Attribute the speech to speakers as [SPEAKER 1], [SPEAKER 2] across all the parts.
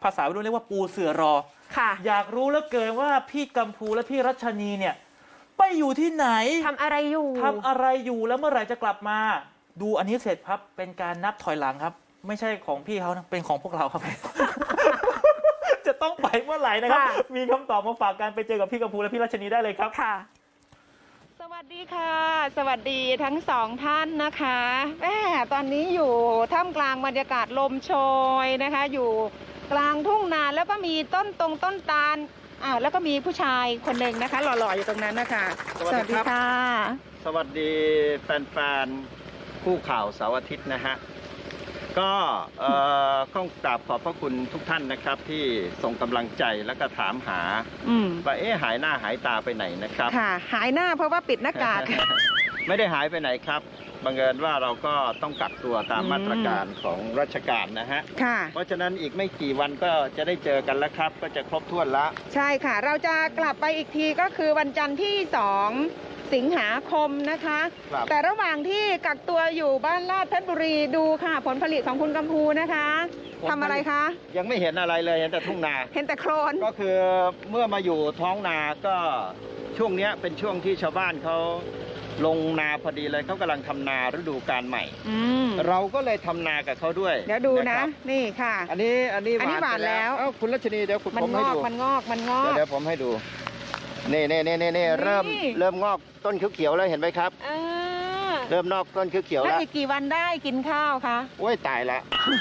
[SPEAKER 1] ภาษาวัยรุ่นเรียกว่าปูเสือรอ
[SPEAKER 2] ค่ะ
[SPEAKER 1] อยากรู้เหลือเกินว่าพี่กัมพูและพี่รัชนีเนี่ยไปอยู่ที่ไหน
[SPEAKER 2] ทำอะไรอยู่
[SPEAKER 1] แล้วเมื่อไหร่จะกลับมา ดูอันนี้เสร็จครับเป็นการนับถอยหลังครับ ไม่ใช่ของพี่เขานะเป็นของพวกเราครับ จะต้องไปเมื่อไหร่นะครับ มีคำตอบมาฝากกันไปเจอกับพี่กัมพูและพี่รัชนีได้เลยครับ
[SPEAKER 2] ค่ะ
[SPEAKER 3] สวัสดีค่ะ สวัสดีทั้งสองท่านนะคะตอนนี้อยู่ท่ามกลางบรรยากาศลมโชยนะคะ อยู่กลางทุ่งนาแล้วก็มีต้นตาลแล้วก็มีผู้ชายคนหนึ่งนะคะหล่อๆอยู่ตรงนั้นนะคะ
[SPEAKER 4] สวัสดีครับ
[SPEAKER 3] ค่ะ
[SPEAKER 4] สวัสดีแฟนๆคู่ข่าวเสาร์อาทิตย์นะฮะก็ต้องกราบขอบพระคุณทุกท่านนะครับที่ส่งกำลังใจแล้วก็ถามหาว่าหายหน้าหายตาไปไหนนะครับ
[SPEAKER 3] ค่ะหายหน้าเพราะว่าปิดหน้ากาก
[SPEAKER 4] ไม่ได้หายไปไหนครับบังเอิญว่าเราก็ต้องกักตัวตามมาตรการของราชการนะฮะ
[SPEAKER 3] ค่ะ
[SPEAKER 4] เพราะฉะนั้นอีกไม่กี่วันก็จะได้เจอกันแล้วครับก็จะครบถ้วนละ
[SPEAKER 3] ใช่ค่ะเราจะกลับไปอีกทีก็คือวันจันทร์ที่2 สิงหาคมนะคะแต่ระหว่างที่กักตัวอยู่บ้านลาดเพชรบุรีดูค่ะผลผลิตของคุณกัมพูนะคะทำอะไรคะ
[SPEAKER 4] ยังไม่เห็นอะไรเลยเห็นแต่ทุ่งนา
[SPEAKER 3] เห็นแต่โคลน
[SPEAKER 4] ก็คือเมื่อมาอยู่ท้องนาก็ช่วงนี้เป็นช่วงที่ชาวบ้านเขาลงนาพอดีเลยเขากำลังทำนาฤดูกาลใหม่เราก็เลยทำนากับเขาด้วย
[SPEAKER 3] เดี๋ยวดูนะนี่ค่ะ
[SPEAKER 4] อันนี้
[SPEAKER 3] หวานแล้ว
[SPEAKER 4] คุณรัชนีเดี๋ยวผมให้ดู
[SPEAKER 3] มันงอก
[SPEAKER 4] เดี๋ยวผมให้ดูนี่เริ่มงอกต้นเขียวๆแล้วเห็นไหมครับเริ่มนอกต้นเขียวๆแล้ว
[SPEAKER 3] อีกกี่วันได้กินข้าวคะ
[SPEAKER 4] โอ้ยตายละ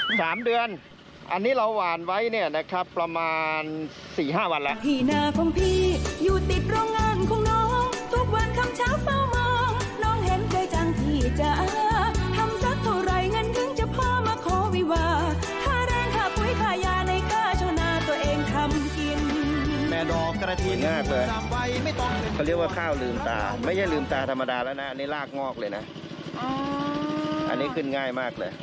[SPEAKER 4] 3 เดือนอันนี้เราหว่านไว้เนี่ยนะครับประมาณ 4-5 วันแล้ว
[SPEAKER 5] ที่นาของพี่อยู่ติดโรงงานของน้องทุกวันคำเช้าเฝ้ามองน้องเห็นใจจังพี่จะทำสักเท่าไรเงินถึงจะพอมาขอวิวาค่าแรงค่าปุ๋ยค่ายาในค่าชาวนาตัวเองทำกิน
[SPEAKER 4] แม่ดอกกระถินมากเลยเขาเรียกว่าข้าวลืมตาไม่ใช่ลืมตาธรรมดาแล้วนะอันนี้รากงอกเลยนะอันนี้ขึ้นง่ายมากเลย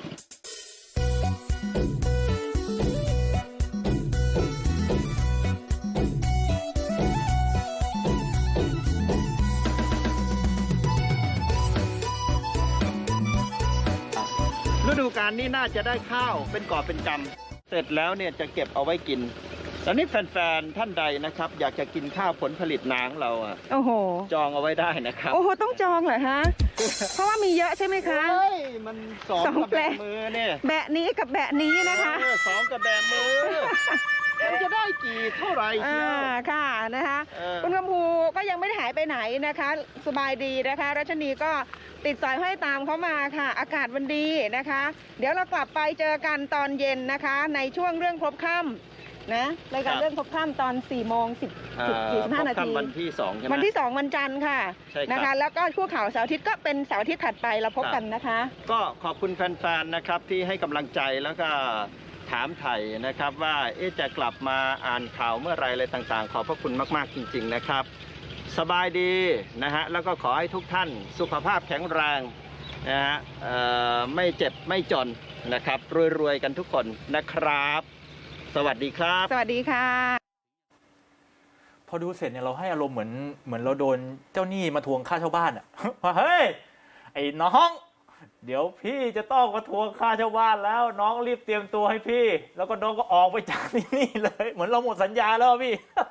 [SPEAKER 4] ฤดูกาลนี้น่าจะได้ข้าวเป็นกอบเป็นกำเสร็จแล้วเนี่ยจะเก็บเอาไว้กินตอนนี้แฟนๆท่านใดนะครับอยากจะกินข้าวผลผลิตนาของเรา
[SPEAKER 3] โอ้โห
[SPEAKER 4] จองเอาไว้ได้นะครับ
[SPEAKER 3] โอ้โหต้องจองเหรอฮะ เพราะว่ามีเยอะใช่ไหมคะ
[SPEAKER 4] เฮ้ยมัน2กับแบะมือเนี่ย
[SPEAKER 3] แบะนี้กับแบะนี้นะคะ
[SPEAKER 4] 2กับแบะมือมันจะได้กี่เท่าไหร่
[SPEAKER 3] ค่ะนะคะคุณกัมพูก็ยังไม่ได้หายไปไหนนะคะสบายดีนะคะรัชนีก็ติดสอยห้อยตามเขามาค่ะอากาศมันดีนะคะเดี๋ยวเรากลับไปเจอกันตอนเย็นนะคะในช่วงเรื่องครบค่ำนะรายการเรื่องครบค่ำตอน4:45 นาที
[SPEAKER 4] วันที่2ใช่ไหม
[SPEAKER 3] วันที่2วันจันทร์ค่ะนะคะแล้วก็คู่ข่าวเสาร์อาทิตย์ก็เป็นเสาร์อาทิตย์ถัดไปเราพบกันนะคะ
[SPEAKER 4] ก็ขอบคุณแฟนๆนะครับที่ให้กำลังใจแล้วก็ถามไถ่นะครับว่าจะกลับมาอ่านข่าวเมื่อไรอะไรต่างๆขอบพระคุณมากๆจริงๆนะครับสบายดีนะฮะแล้วก็ขอให้ทุกท่านสุขภาพแข็งแรงนะฮะไม่เจ็บไม่จนนะครับรวยๆกันทุกคนนะครับสวัสดีครับ
[SPEAKER 3] สวัสดีค่ะ
[SPEAKER 1] พอดูเสร็จเนี่ยเราให้อารมณ์เหมือนเราโดนเจ้าหนี้มาทวงค่าเช่าบ้านอ่ะ ว่าเฮ้ยไอ้น้องเดี๋ยวพี่จะต้องมาทวงค่าเช่าบ้านแล้วน้องรีบเตรียมตัวให้พี่แล้วก็น้องก็ออกไปจากที่นี่เลยเหมือนเราหมดสัญญาแล้วพี่